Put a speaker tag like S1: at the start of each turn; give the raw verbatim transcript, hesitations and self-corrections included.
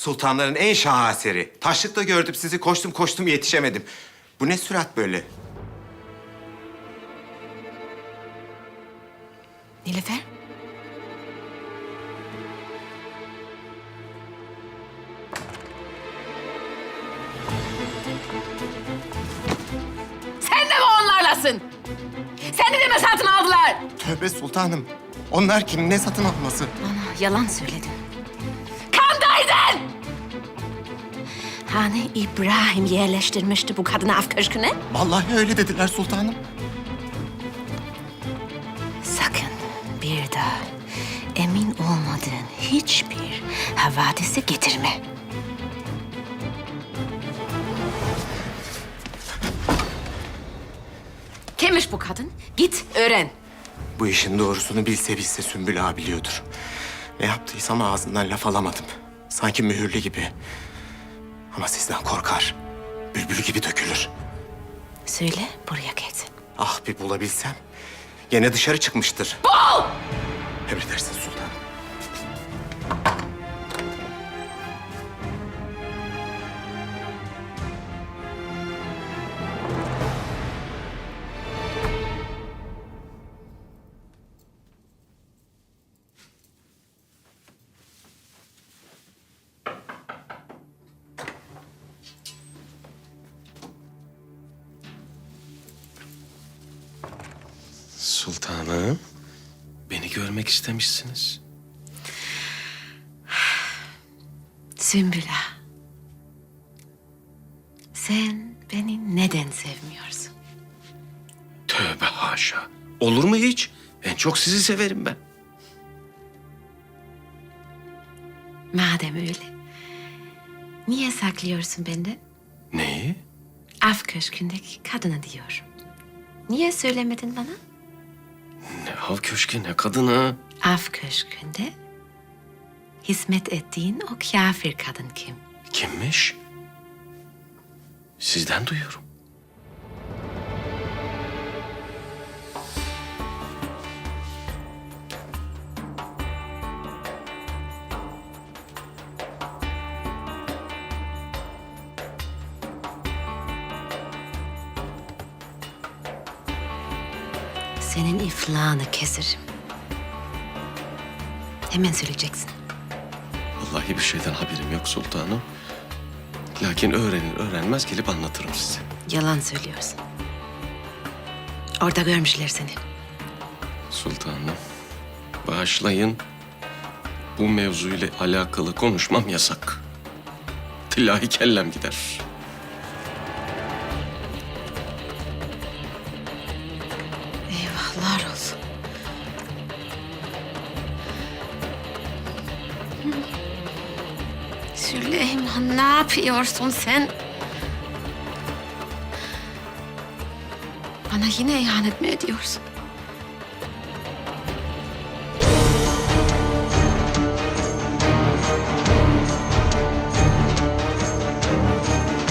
S1: Sultanların en şaheseri. Taşlıkta gördüm sizi, koştum koştum yetişemedim. Bu ne sürat böyle?
S2: Nilüfer? Sen de mi onlarlasın? Seni de mi satın aldılar?
S1: Tövbe sultanım. Onlar kim? Ne satın alması?
S2: Bana yalan söyledin. Kandaydın! Hani İbrahim yerleştirmişti bu kadını af köşküne?
S1: Vallahi öyle dediler sultanım.
S2: Sakın bir daha emin olmadığın hiçbir havadisi getirme. Kimmiş bu kadın? Git öğren.
S1: Bu işin doğrusunu bilse bilse Sümbül ağa biliyordur. Ne yaptıysam ağzından laf alamadım. Sanki mühürlü gibi. Ama sizden korkar. Bülbül gibi dökülür.
S2: Söyle buraya gelsin.
S1: Ah bir bulabilsem. Gene dışarı çıkmıştır.
S2: Bul!
S1: Emredersin sultanım.
S3: Sultanım, beni görmek istemişsiniz.
S2: Sümbül Ağa. Sen beni neden sevmiyorsun?
S3: Tövbe haşa. Olur mu hiç? En çok sizi severim ben.
S2: Madem öyle, niye saklıyorsun benden?
S3: Neyi?
S2: Af köşkündeki kadını diyorum. Niye söylemedin bana?
S3: Ne av köşkü ne kadını.
S2: Af köşkünde hizmet ettiğin o kafir kadın kim?
S3: Kimmiş? Sizden duyuyorum.
S2: Senin iflahını keserim. Hemen söyleyeceksin.
S3: Vallahi bir şeyden haberim yok sultanım. Lakin öğrenir öğrenmez gelip anlatırım size.
S2: Yalan söylüyorsun. Orada görmüşler seni.
S3: Sultanım, bağışlayın. Bu mevzuyla alakalı konuşmam yasak. Tilahi kellem gider.
S2: Eyvahlar olsun. Süleyman, ne yapıyorsun sen? Bana yine ihanet mi ediyorsun?